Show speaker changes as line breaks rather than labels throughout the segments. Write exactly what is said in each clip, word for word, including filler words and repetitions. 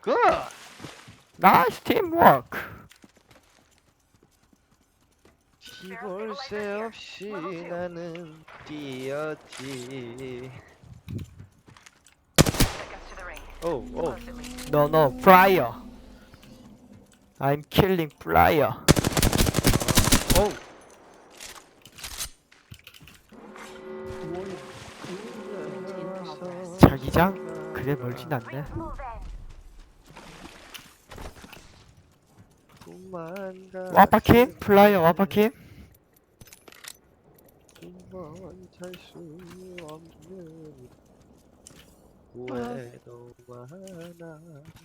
굿!
나이스 팀워크.
티볼 새 없이 나는 뛰었지. 오, 오.
No no flyer. I'm killing flyer.
오.
자기장? 그래 멀진 않네. 와파킴? 플라이어 와파킴?
찰수 없는 후회도 많아.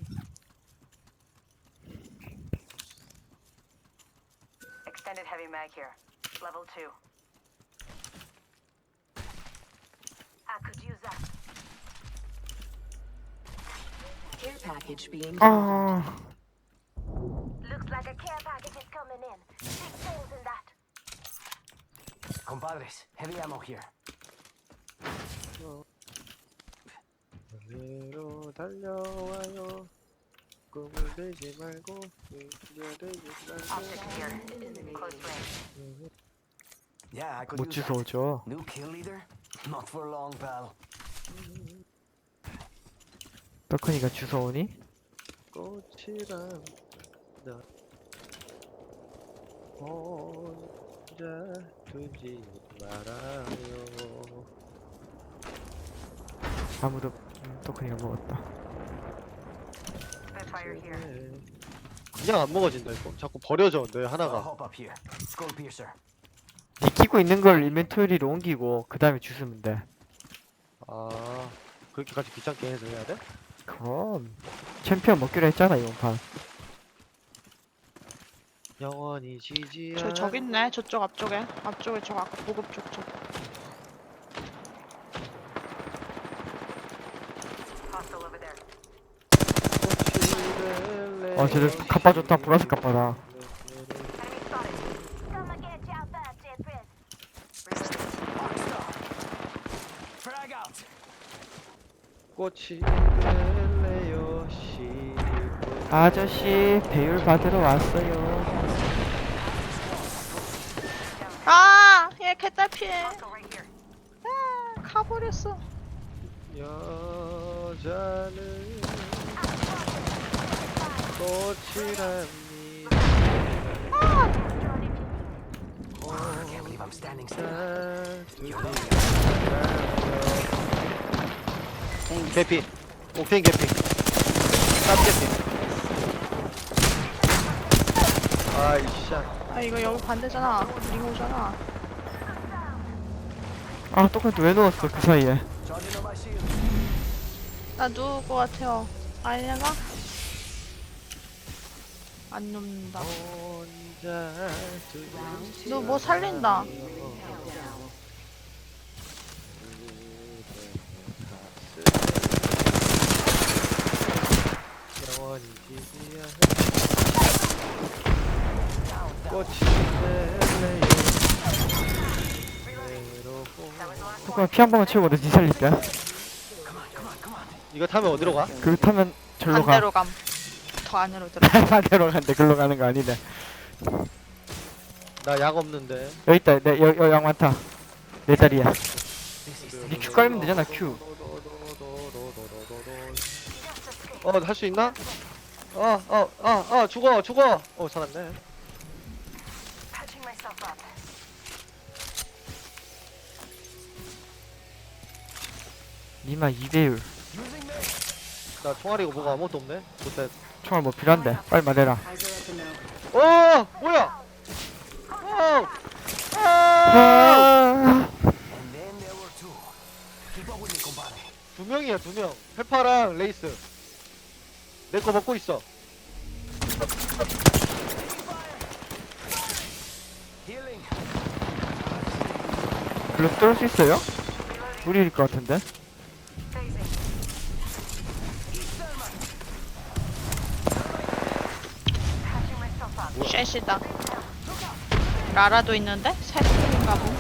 Extended heavy mag here. Level two. I could use that.
Care package being
아
Looks like a care package is coming in. Big things in that.
Compadres, heavy ammo here.
어디로 달려와요. 꿈을 들지 말고 뛰어들지
Optics
말고.
here. Close range.
Yeah, I could
못
use that.
주워줘.
New kill leader? Not for long, pal.
떡크니가 주워오니?
꽃이란 나 혼자 두지 말아요.
아무도 음, 떡크니가 먹었다.
Spitfire here.
그냥 안 먹어진다 이거. 자꾸 버려져 내
I'll
하나가.
hop up here. Skull piercer.
니 끼고 있는 걸 인벤토리로 옮기고 그 다음에 주스면 돼.
아 그렇게까지 귀찮게 해서 해야 돼?
그럼 챔피언 먹기로 했잖아 이번 판.
영원히 지지
저 저기 있네. 저쪽 앞쪽에. 앞쪽에 저 아까 보급 쪽 저.
Hostile over there.
어 쟤들 갑바 좋다. 보라색 갑바다.
Enemy spotted. Come and get you out there, Tempest.
Frag out!
꽃이 될래요 시
아저씨 배율 받으러 왔어요.
아, 얘 개딸피해.
Hostile right here.
아, 가버렸어.
여자는 꽃이랍니다.
Can't believe I'm standing still.
개피 옥테인 개피 쌈 개피. 아이씨
아, 이거 여기 반대잖아. 링오잖아.
아 떡크니 왜 누웠어 그 사이에.
Charging on my shield.
나 누울 것 같아요. 아니냐가? 안 눕는다.
혼자
너 뭐 살린다.
영원히 지지야 꽃이 될래요 외로워.
떡크니 피 한 번만 채우고 내니 살릴게.
이거 타면 어디로 가?
그거 타면 절로 가.
반대로 감. 더 안으로 들어.
반대로 간대. 글로 가는 거 아니네.
나 약 없는데.
여기 있다. 내 여, 여, 양 많다. 내 자리야. 니 큐 깔면 되잖아 큐.
어, 할 수 있나? 어, 어, 어, 어, 죽어, 죽어. 어, 살았네.
Patching myself up.
니마 이 배율.
나 총알이고 뭐가 아무것도 없네. 좋다.
총알 뭐 필요한데. 빨리 말해라.
Eyes are up and out.
어, 뭐야? 어, 아!
아
And then there were two. Keep up with me, compadre.
두 명이야, 두 명. 페파랑 레이스. 내 거 먹고 있어.
Healing.
글로 뚫을 수 있어요? 우리일 것 같은데.
Phasing. Patching myself up.
쉣이다. 라라도 있는데? 새끼인가 보.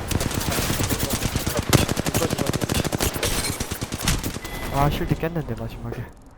아 쉴드 깼는데 마지막에.